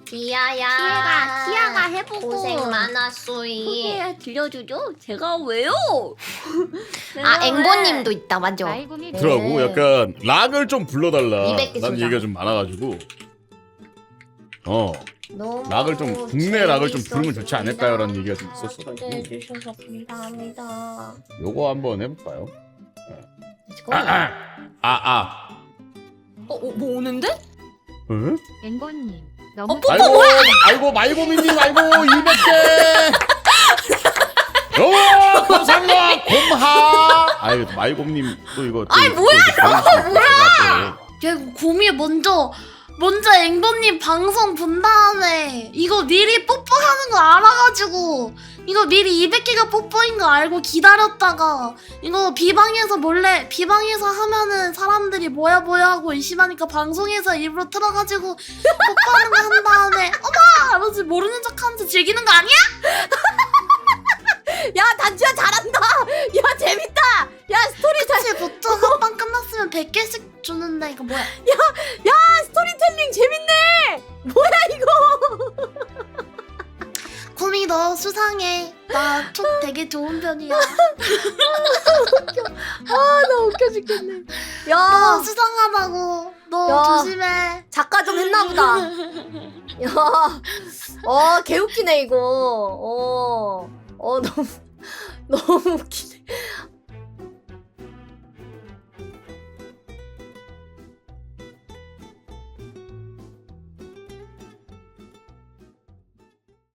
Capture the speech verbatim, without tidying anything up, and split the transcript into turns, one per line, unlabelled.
기아야.
기아가 기아가 해보고
고생 많았소이.
소개 들려주죠? 제가 왜요?
아 앵보님도 있다 맞죠?
말곰이
더라고 약간 락을 좀 불러달라.
이백 개
난
소장.
얘기가 좀 많아가지고. 어
너무
락을 좀 국내 락을 좀 부르면 좋지
재밌었습니다.
않을까요라는 얘기가 좀 있었어.
초대해 주셔서 감사합니다.
요거 한번 해볼까요?
렛츠고.
아아 아.
어, 어, 뭐 오는데?
응?
앵보님
어,
너무
뽀뽀
아이고
뭐야?
아이고 말고미님 아이고 이백 개. 오 감사합니다 곰하. 아이고 말곰님 또 이거. 또
아이,
이거
뭐야,
또 이거 보여주시면 제가
야, 이거 곰이 먼저 먼저 앵보님 방송 본 다음에 이거 미리 뽀뽀하는 거 알아가지고 이거 미리 이백 개가 뽀뽀인 거 알고 기다렸다가 이거 비방에서 몰래 비방에서 하면은 사람들이 뭐야 뭐야 하고 의심하니까 방송에서 일부러 틀어가지고 뽀뽀하는 거 한 다음에 어머 하면서 모르는 척하면서 즐기는 거 아니야?
야 단추야 잘한다. 야 재밌다. 야 스토리 잘.
그치 보통 합방 끝났으면 백 개씩 주는데 이거 뭐야?
야 스토리텔링 재밌네. 뭐야 이거.
곰이 너 수상해. 나 촉 되게 좋은 편이야.
아나 웃겨 죽겠네.
너
야
수상하다고. 너
야.
조심해.
작가 좀 했나보다. 야, 어 개웃기네 이거. 어, 어 너무 너무 웃기네.